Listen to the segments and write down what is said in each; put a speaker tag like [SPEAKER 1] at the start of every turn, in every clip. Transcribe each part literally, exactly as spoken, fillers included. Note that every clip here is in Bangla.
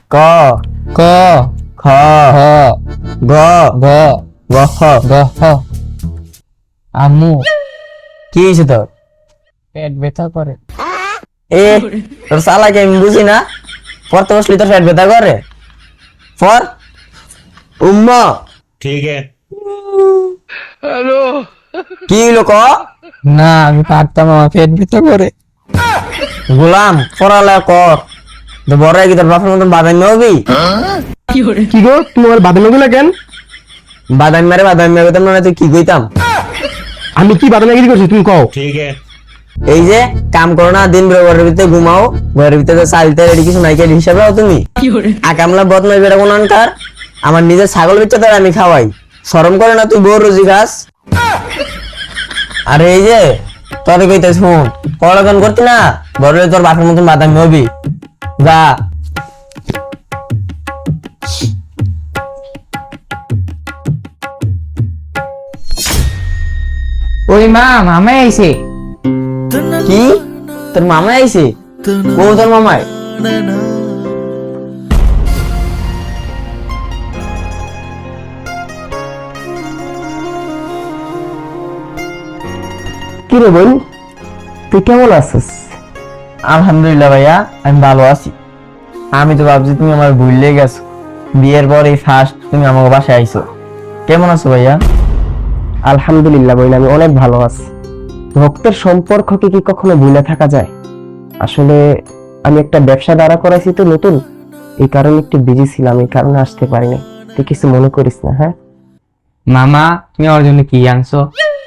[SPEAKER 1] ক
[SPEAKER 2] ক
[SPEAKER 1] খ
[SPEAKER 2] খ
[SPEAKER 1] গ
[SPEAKER 2] গ
[SPEAKER 1] গ খ।
[SPEAKER 2] গ হ। আম্মু
[SPEAKER 1] কি হয়েছে তোর?
[SPEAKER 2] পেট ব্যথা করে।
[SPEAKER 1] এ তোর চালাকি আমি বুঝি না, পড়তে বসলি তোর পেট ব্যথা করে। পর উম্মা
[SPEAKER 3] ठीक है।
[SPEAKER 1] কি হইলো ক?
[SPEAKER 2] না আমি পারতাম, আমার পেট ব্যথা করে।
[SPEAKER 1] গোলাম পড়ালেখা কর, তো বড় কি তোর বাপের মতন বাদামি হবি?
[SPEAKER 4] কি গো তোমার বাদামি গুলা কেন?
[SPEAKER 1] বাদামি মারে বাদামি মারে তো মনে তুই কি কইতাম?
[SPEAKER 4] আমি কি বাদামিগিরি করছি তুমি কও?
[SPEAKER 3] ठीक है।
[SPEAKER 1] এই যে কাম করো না, দিন ভরে ঘরের ভিতরে ঘুমাও, ঘরের ভিতরে চালতে রেডি কিছু নাই, কে হিসাবে হও তুমি? আকামলা বদমাই বেড়া কোন আনকার, আমার নিজের ছাগল বেচে তোর আমি খাওয়াই, শরম করে না তুই বউ রোজি খাস? আরে এই যে তোর কইতে শুন, পড়ালেখা করতি না, বড় হলে তোর বাপের মতন বাদামি হবি। যা
[SPEAKER 2] ওই মা মামা আইছে।
[SPEAKER 1] কি তোর মামা আইছে? ও তোর মামাই?
[SPEAKER 4] কি রে বোন, তুই কেমন আছিস?
[SPEAKER 1] আলহামদুলিল্লাহ ভাইয়া, আমি ভালো আছি। আমি তো ভাবছি তুমি আমার ভুললে গেছো, বিয়ের পর এই ফার্স্ট তুমি আমার বাসায় আইছো। কেমন আছো ভাইয়া?
[SPEAKER 4] আলহামদুলিল্লাহ বোন, আমি অনেক ভালো আছি। রক্তের সম্পর্ককে কি কখনো ভুলে থাকা যায়? আসলে আমি একটা ব্যবসা দাঁড়া করাইছি তো নতুন, এই কারণে একটু বিজি ছিলাম, এই কারণে আসতে পারিনি। তুই কিছু মনে করিস না। হ্যাঁ
[SPEAKER 2] মামা তুমি আমার জন্য কি আনছো?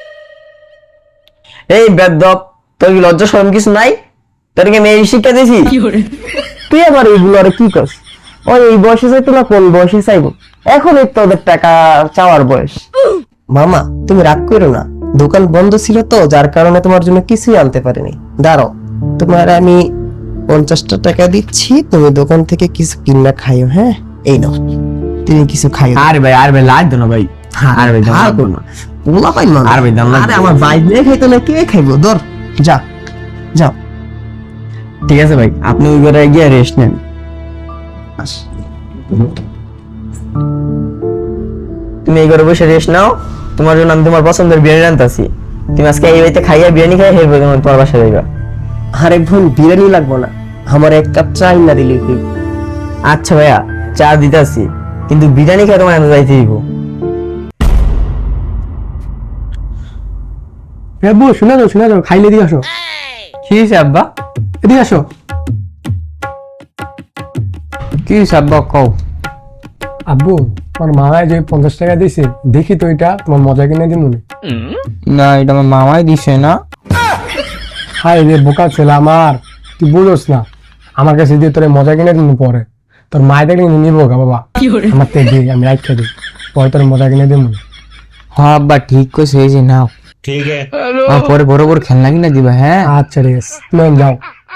[SPEAKER 1] এই বেদব, তোর কি লজ্জা শরম কিছু নাই? তোরকে মেয়ে শিক্ষা দিয়েছি?
[SPEAKER 4] তুই আবার এইগুলো আর কি করস? ওই এই বয়সে চাইতো না, কোন বয়সে চাইবো? এখন এই তোদের টাকা চাওয়ার বয়স। মামা তুমি রাগ করো না, দোকান বন্ধ ছিল তো, যার কারণে তোমার জন্য কিছুই আনতে পারিনি। দাঁড়াও, তোমার আমি পঞ্চাশটা টাকা দিচ্ছি, তুমি দোকান থেকে কিছু কিনা খাইও। হ্যাঁ এই নাও, তুমি কিছু খাইও।
[SPEAKER 1] আরে ভাই, আরে ভাই লাগ না ভাই, আরে ভাই
[SPEAKER 4] আর করো না, পোলা পাইল না।
[SPEAKER 1] আর ভাই দাম লাগবে।
[SPEAKER 4] আরে আমার বাইক নিয়ে খাইতো না, কে খাইবো? ধর যা যাও।
[SPEAKER 1] ঠিক আছে ভাই, আপনি ওই ঘরে গিয়ে রেস্ট নেন।
[SPEAKER 4] আস।
[SPEAKER 1] তুমি এই ঘরে বসে রেস্ট নাও, তোমার জন্য আমি তোমার পছন্দের বিরিয়ানি আনতাছি। তুমি আজকে এই বাড়িতে খাইয়া বিরিয়ানি খাই হেরবে, তোমার তোমার বাসায় যাইবা।
[SPEAKER 4] আরে বোন, বিরিয়ানি লাগবো না, আমার এক কাপ চা না দিলে কি?
[SPEAKER 1] আচ্ছা ভাইয়া, চা দিতাছি, কিন্তু বিরিয়ানি খাই তোমার আমি যাইতে দিব।
[SPEAKER 4] আব্বু শুনে যাও, শুনে যাও, খাইলে দিয়ে আসো।
[SPEAKER 2] কি হয়েছে আব্বা?
[SPEAKER 4] এদিকে আসো।
[SPEAKER 2] কি হয়েছে আব্বা কও?
[SPEAKER 5] আব্বু তোমার মামায় যে পঞ্চাশ টাকা দিয়েছে, দেখি তো এটা তোমার মজা কিনে দিই মনে।
[SPEAKER 2] না এটা আমার মামাই দিছে না।
[SPEAKER 5] হাই রে বোকা ছেলে আমার, তুই বুঝোস না, আমার কাছে দিয়ে তোর মজা কিনে দিন পরে, তোর মায়ের দেখলে কিন্তু নিবো গা বাবা, আমার থেকে দিই, আমি রাখা দিই, পরে তোর মজা কিনে দিই মনে।
[SPEAKER 2] হ্যাঁ আব্বা ঠিক কইছে, এই যে নাও।
[SPEAKER 3] ठीक है।
[SPEAKER 2] আমার পরে বড় বড় খেলনা কিনা দিবা। হ্যাঁ
[SPEAKER 5] আচ্ছা ঠিক আছে, তুমি যাও।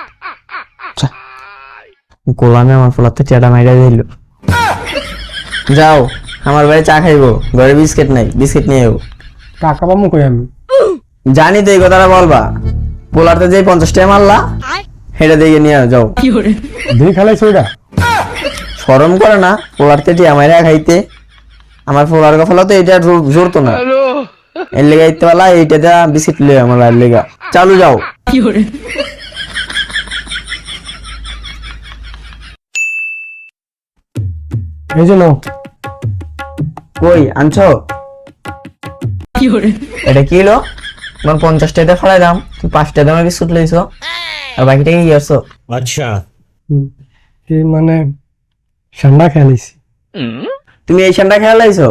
[SPEAKER 1] গোলামে আমার ফলাতে চেটা মাইরা দিল। যাও, আমার বাড়ি চা খাইবো, ঘরে বিস্কিট নাই, বিস্কিট নিয়ে যাবো।
[SPEAKER 5] টাকা পাবো কই আমি?
[SPEAKER 1] জানি তো এই কথাটা বলবা, পোলারতে যে পঞ্চাশ টাকা মারলা সেটা দিয়ে নিয়ে যাও।
[SPEAKER 5] দিয়ে খেলাইছো ওইটা?
[SPEAKER 1] শরম করে না পোলারতে টিয়া মাইরা খাইতে? আমার পোলার গফলা তো এটা জোর- জোরতো না, এর লেগে ইতে পালা এইটা দেয়া বিস্কিট লিয়ে আমার বাড়ির লেগা। চালু যাও।
[SPEAKER 5] এই জন্য
[SPEAKER 1] কই আনছো? এটা কি হলো? তোমার পঞ্চাশ টাকা ফেলাই দাম, তুমি পাঁচ টাকা দামের বিস্কুট লইছো, আর বাকিটা কি করছো?
[SPEAKER 3] अच्छा।
[SPEAKER 5] এই মানে ঠান্ডা খেলাইছি।
[SPEAKER 1] তুমি এই সানটা খেয়াল লাইছো?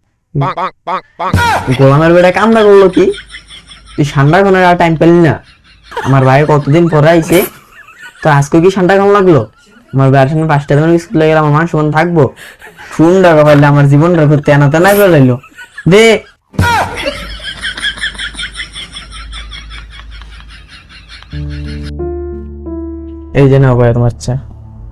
[SPEAKER 1] গোলামের বেটা কামটা করলো কি? তুই ঠান্ডা খানোর আর টাইম পেলি না? আমার ভাই কতদিন পরে আইছে, তো আজকে কি ঠান্ডা কেমন লাগলো? আমার ভাইয়ের সঙ্গে পাঁচটা দিনের স্কুল লেগে আমার মান সমান থাকবো? শুন টাকা পাইলে আমার জীবনটা করতে তেনা তেনা করে লাইলো। দে এই যে নাও ভাইয়া তোমার চা।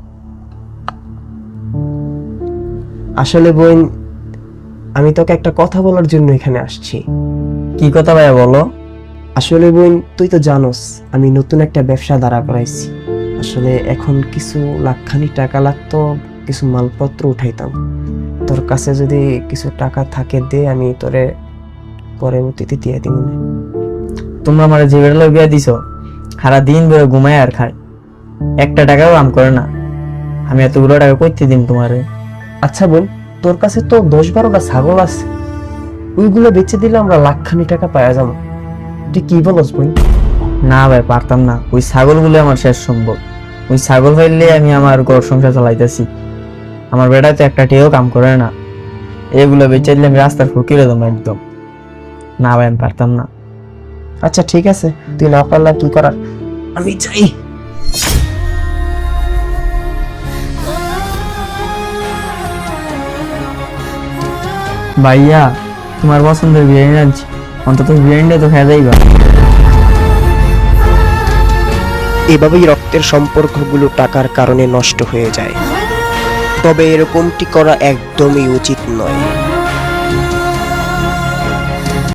[SPEAKER 4] আসলে বোন, আমি তোকে একটা কথা বলার জন্য এখানে আসছি।
[SPEAKER 1] কি কথা ভাইয়া বলো?
[SPEAKER 4] আসলে বোন, তুই তো জানোস আমি নতুন একটা ব্যবসা দাঁড়া করাইছি। আসলে এখন কিছু লাখখানি টাকা লাগতো, কিছু মালপত্র উঠাইতাম। তোর কাছে যদি কিছু টাকা থাকে দে, আমি তোরে পরবর্তীতে দিয়ে দিব।
[SPEAKER 1] তোমরা আমার যে বেড়া বিয়া দিছো সারা দিন বেরো ঘুমায় আর খায়, একটা টাকাও কাম করে না। আমি এতগুলো টাকা করতে দিন তোমারে?
[SPEAKER 4] আচ্ছা বোন, তোর কাছে তো দশ বারোটা ছাগল আছে, ওইগুলো বেচে দিলে আমরা লাখখানি টাকা পাওয়া যাবো। তুই কি বলস বোন?
[SPEAKER 1] না ভাই, পারতাম না। ওই ছাগলগুলো আমার শেষ সম্ভব। ওই ছাগল ফেললে আমি আমার ঘর সংসার চালাইতেছি। আমার বেটা তো একটা টেও কাম করে না, এগুলো বেচে দিলে আমি রাস্তার ফকিরে দেবো একদম। না ভাই, আমি পারতাম না।
[SPEAKER 4] আচ্ছা ঠিক আছে, তুই না পারলে কি করার, আমি যাই।
[SPEAKER 1] ভাইয়া, তোমার পছন্দের বিরিয়ানি আনছি, অন্তত বিরিয়ানিটা তো খেয়ে যাইবা।
[SPEAKER 4] এভাবেই রক্তের সম্পর্কগুলো টাকার কারণে নষ্ট হয়ে যায়, তবে এরকমটি করা একদমই উচিত নয়।